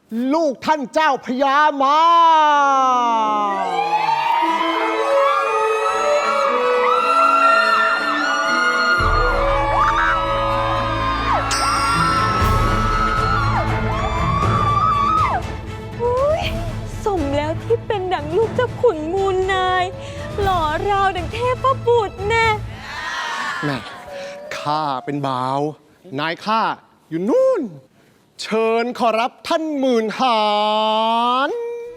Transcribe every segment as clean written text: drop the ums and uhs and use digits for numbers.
ลูกท่านเจ้าพญามาสมแล้วที่เป็นดังลูกเจ้าขุนมูลนายหล่อราวดังเทพบุตรแน่แม่ข้าเป็นบ่าว นายข้าอยู่นู่น เชิญขอรับท่านหมื่นหาร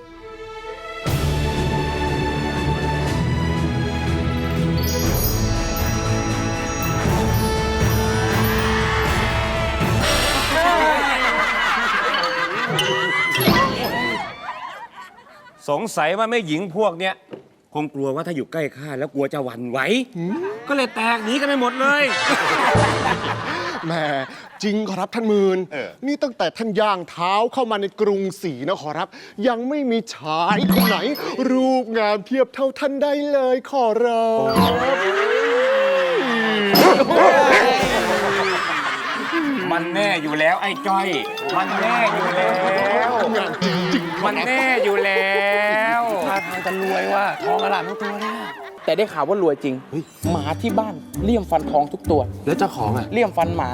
สงสัยว่าแม่หญิงพวกเนี้ยคงกลัวว่าถ้าอยู่ใกล้ข้าแล้วกลัวจะหวั่นไหวก็เลยแตกหนีกันไปหมดเลยแม่จริงขอรับท่านหมื่นนี่ตั้งแต่ท่านย่างเท้าเข้ามาในกรุงศรีนะขอรับ ยังไม่มีชายคนไหน รูปงามเทียบเท่าท่านได้เลยขอรับมันแน่อยู่แล้วไอ้จ้อย มันแน่อยู่แล้วมันแน่อยู่แล้วท่าทางจะรวยว่าทองอลามทุกตัวเนี่ยแต่ได้ข่าวว่ารวยจริงหมาที่บ้านเลี่ยมฟันทองทุกตัวแล้วเจ้าของอ่ะเลี่ยมฟันหมา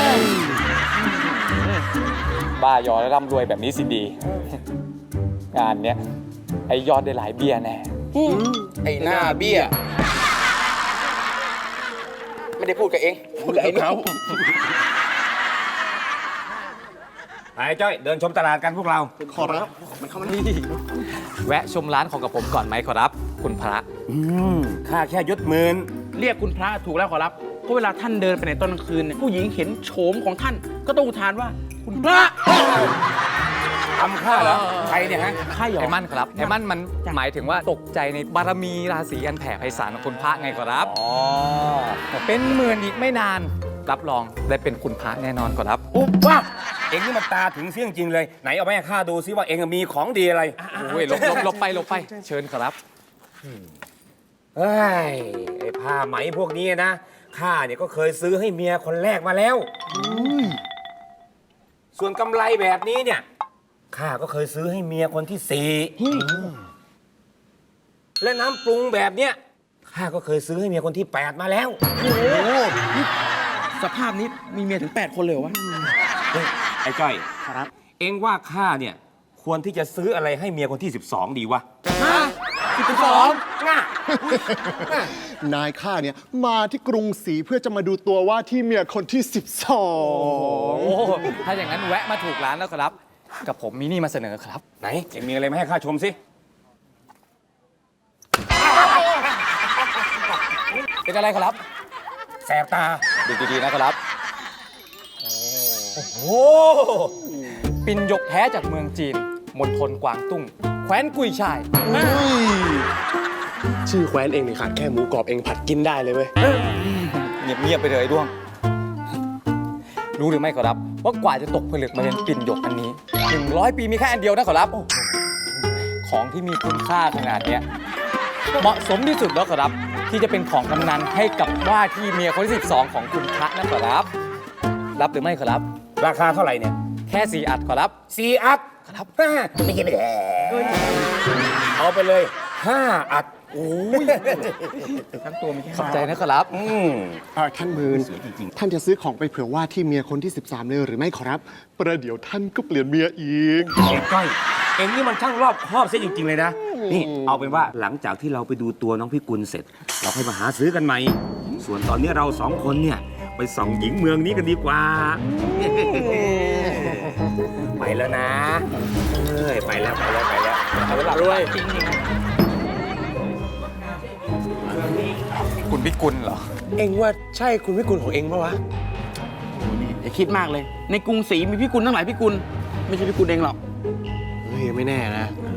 บ้ายอและร่ำรวยแบบนี้สิดีงานเนี้ยไอยอดได้หลายเบี้ยแน่ไอหน้าเบี้ยไม่ได้พูดกับเองพูดกับไอ้เขาไอ้จ้อยเดินชมตลาดกันพวกเราขอรับมันเข้ามานี่แวะชมร้านของกับผมก่อนไหมขอรับคุณพระข้าแค่ยศหมื่นเรียกคุณพระถูกแล้วขอรับเพราะเวลาท่านเดินไปในตอนกลางคืนเนี่ยผู้หญิงเห็นโฉมของท่านก็ต้องอุทานว่าคุณพระทำข้าเหรอใครเนี่ยฮะข้าหยอกไอ้มั่นครับไอ้มั่นมันหมายถึงว่าตกใจในบารมีราศีอันแผ่ไพศาลของคุณพระไงขอรับเป็นหมื่นอีกไม่นานรับรองได้เป็นคุณพระแน่นอนขอรับอุ๊บว่าเอ็งนี่มันตาถึงเสี่ยงจริงเลยไหนเอาไปให้ข้าดูซิว่าเอ็งมีของดีอะไรโอ้ยหลบไปเชิญขอรับเฮ้ยไอ้ผ้าไหมพวกนี้นะข้าเนี่ยก็เคยซื้อให้เมียคนแรกมาแล้วส่วนกำไรแบบนี้เนี่ยข้าก็เคยซื้อให้เมียคนที่สี่และน้ำปรุงแบบเนี้ยข้าก็เคยซื้อให้เมียคนที่8มาแล้วโอ้โหสภาพนี้มีเมียถึง8คนเลยวะไอ้จ้อยครับเอ็งว่าข้าเนี่ยควรที่จะซื้ออะไรให้เมียคนที่12ดีวะ 12 น่ะนายข้าเนี่ยมาที่กรุงศรีเพื่อจะมาดูตัวว่าที่เมียคนที่12 ถ้าอย่างนั้นแวะมาถูกร้านแล้วครับกับผมมีนี่มาเสนอครับไหนเอ็งมีอะไรมาให้ข้าชมสิเป็นอะไรครับแสบตาดูดีๆนะครับโอ้โหปิ่นหยกแท้จากเมืองจีนมณฑลกวางตุ้งแคว้นกุยชายชื่อแคว้นเองนี่ขาดแค่หมูกรอบเองผัดกินได้เลยเว้ยเงียบไปเลยด้วงรู้หรือไม่ครับว่ากว่าจะตกผลึกมาเป็นปิ่นหยกอันนี้100 ปีมีแค่อันเดียวนะขอรับของที่มีคุณค่าขนาดเนี้ยเหมาะสมที่สุดแล้วขอรับที่จะเป็นของกำนันให้กับว่าที่เมียคนที่12ของคุณพระนั่นขอรับรับหรือไม่ขอรับราคาเท่าไหร่เนี่ยแค่4 อัดขอรับ 4 อัดครับไม่กินไม่ได้เอาไปเลย5 อัดโอ้ยทั้งตัวมีแค่ขอบใจนะขอรับท่านหมื่นท่านจะซื้อของไปเผื่อว่าที่เมียคนที่13เลยหรือไม่ขอรับประเดี๋ยวท่านก็เปลี่ยนเมียอีกเอ็งก้อยเอ็งนี่มันช่างรอบคอบซะจริงๆเลยนะนี่เอาเป็นว่าหลังจากที่เราไปดูตัวน้องพี่กุลเสร็จเราค่อยมาหาซื้อกันใหม่ส่วนตอนนี้เรา2 คนเนี่ยไปส่องหญิงเมืองนี้กันดีกว่าไปแล้วนะไปแล้วเอาเวลารวยคุณพิกุลเหรอเอ็งว่าใช่คุณพิกุลของเอ็งปะวะอย่าคิดมากเลยในกรุงศรีมีพิกุลทั้งหลายพิกุลไม่ใช่พิกุลเองหรอกเฮ้ยไม่แน่นะ